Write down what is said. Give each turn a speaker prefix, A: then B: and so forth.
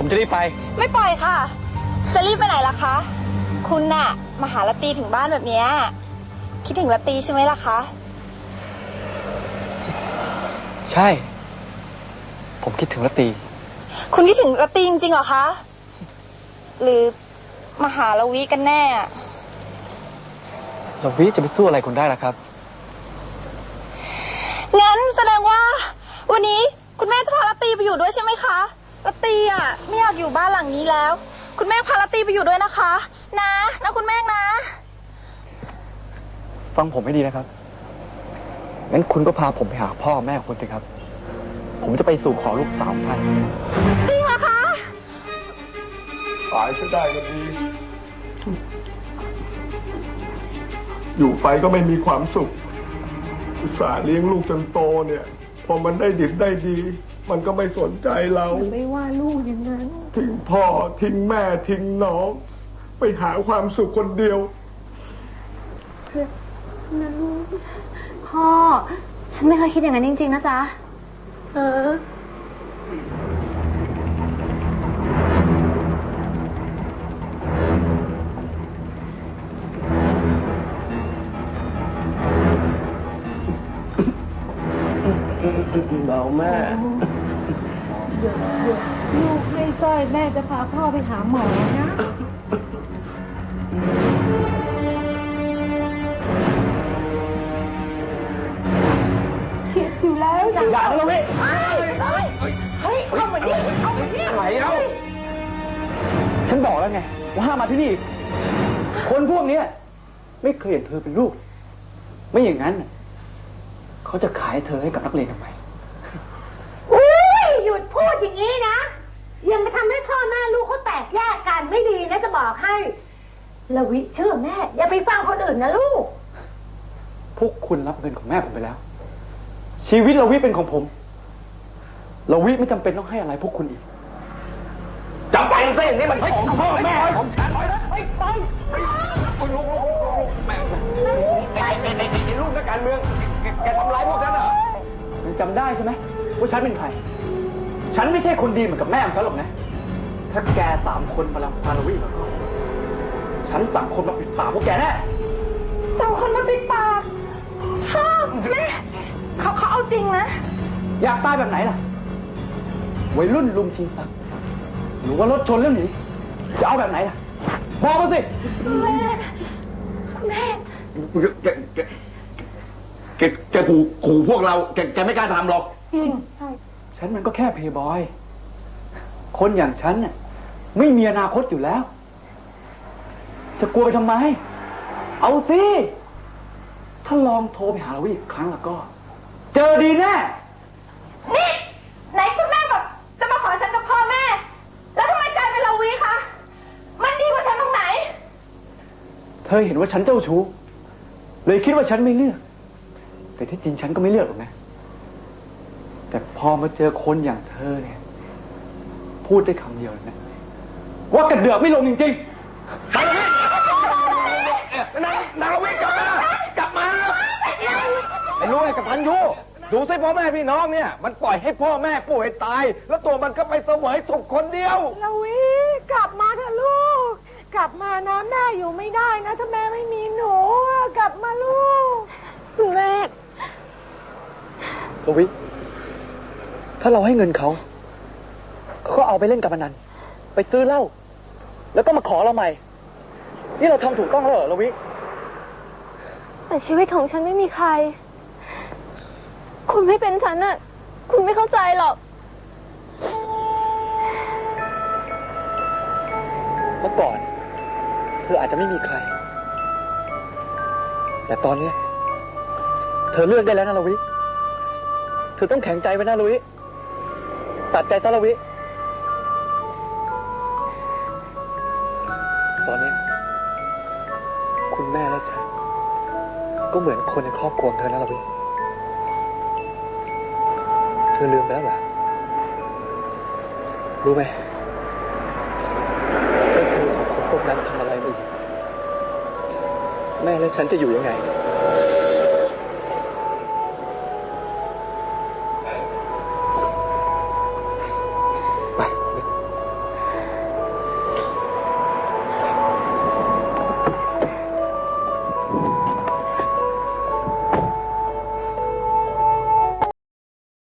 A: จะรีบไป
B: ไม่ปล่อยค่ะจะรีบไปไหนล่ะคะคุณน่ะมาหาละตีถึงบ้านแบบนี้คิดถึงละตีใช่ไหมล่ะคะ
A: ใช่ผมคิดถึงละตี
B: คุณคิดถึงละตีจริงๆเหรอคะหรือมาหาละวิกันแน่
A: ละวิจะไปสู้อะไรคุณได้ล่ะครับ
B: งั้นแสดงว่าวันนี้คุณแม่จะพาละตีไปอยู่ด้วยใช่ไหมคะละตีอ่ะไม่อยากอยู่บ้านหลังนี้แล้วคุณแม่พาละตีไปอยู่ด้วยนะคะนะคุณแม่นะ
A: ฟังผมให้ดีนะครับงั้นคุณก็พาผมไปหาพ่อแม่คุณสิครับผมจะไปสู่ขอลูกสาวท่าน
B: จริงเหรอคะ
C: ตายซะได้ก็ดีอยู่ไปก็ไม่มีความสุขอุตส่าห์เลี้ยงลูกจนโตเนี่ยพอมันได้ดิบได้ดีมันก็ไม่สนใจเรา
D: ไม่ว่าลูกอย่างนั้น
C: ทิ้งพ่อทิ้งแม่ทิ้งน้องไปหาความสุขคนเดียว
D: นะลูกพ่อฉันไม่เคยคิดอย่างนั้นจริงๆนะจ๊ะ
C: เบาแม่
D: เดี๋ยวลูกไม่สร้อยแม่จะพาพ่อไปหาหมอนะเข็ดอยู่แล้ว
A: อย่าทะเลาะ
D: เฮ้ยเข้ามาดิ
A: ไหนแล้วฉันบอกแล้วไงว่าห้ามมาที่นี่คนพวกนี้ไม่เคยเห็นเธอเป็นลูกไม่อย่างนั้นเขาจะขายเธอให้กับนักเรียนทำไม
D: หยุดพูดอย่างนี้นะยังมาทำให้พ่อแม่ลูกเขาแตกแยกกันไม่ดีนะจะบอกให้ละวิเชื่อแม่อย่าไปฟังคนอื่นนะลูก
A: พวกคุณรับเงินของแม่ผมไปแล้วชีวิตละวิเป็นของผมละวิไม่จำเป็นต้องให้อะไรพวกคุณอีก
C: จำเป็นสินี่มันของพ่อแม่ของฉัน
A: ไม่ไปลูกแม่ไอ้ลูกนักการเมืองแกทำร้ายพวกฉันเหรอมันจำได้ใช่ไหมว่าฉันเป็นใครฉันไม่ใช่คนดีเหมือนกับแม่ของฉันหรอกนะถ้าแก3 คนมาลังพาละวิแล้วก็ฉันสั่งคนมาปิดปากพวกแกแน่
B: สั่งคนมาปิดปากพ่อแม่เขาเอาจริงนะ
A: อยากตายแบบไหนล่ะวัยรุ่นลุมชิงทรัพย์หรือว่ารถชนแล้วหนีจะเอาแบบไหนล่ะบอกมาสิ
B: แม่
C: แกขู่พวกเราแกไม่กล้าทำหรอก
A: ฉันมันก็แค่เพย์บอยคนอย่างฉันน่ะไม่มีอนาคตอยู่แล้วจะกลัวไปทำไมเอาสิถ้าลองโทรไปหาเราอีกครั้งแล้วก็เจอดีแน่
B: นี่ไหนคุณแม่แบบจะมาขอฉันกับพ่อแม่แล้วทำไมกลายเป็นเราวีคะมันดีกว่าฉันตรงไหน
A: เธอเห็นว่าฉันเจ้าชู้เลยคิดว่าฉันไม่เลือกแต่ที่จริงฉันก็ไม่เลือกหรอกนะแต่พอมาเจอคนอย่างเธอเนี่ยพูดได้คำเดียวนะว่ากระเดือกไม่ลงจริงๆ
C: นางวิทย์กลับมา
A: ไอ้รู้ไอ้กับพันยูดูสิพ่อแม่พี่น้องเนี่ยมันปล่อยให้พ่อแม่ป่วยตายแล้วตัวมันก็ไปเสวยสุขคนเดียว
D: ละวิกลับมาเถอะลูกกลับมานะแม่อยู่ไม่ได้นะถ้าแม่ไม่มีหนูกลับมาลูก
B: แม่
A: ละวิถ้าเราให้เงินเขาก็เอาไปเล่นการพนันไปซื้อเหล้าแล้วก็มาขอเราใหม่นี่เราทำถูกต้องแล้วเหรอละวิ
B: แต่ชีวิตของฉันไม่มีใครคุณไม่เป็นฉันน่ะคุณไม่เข้าใจหรอก
A: เมื่อก่อนเธออาจจะไม่มีใครแต่ตอนนี้เธอเลือกได้แล้วนะละวิเธอต้องแข็งใจไว้นะละวิตัดใจซะละวิตอนนี้คุณแม่และฉันก็เหมือนคนในครอบครัวเธอนะละวิเธอลืมไปแล้วเหรอรู้ไหมถ้าเธอถูกคนพวกนั้นทำอะไรมาอีกแม่และฉันจะอยู่ยังไง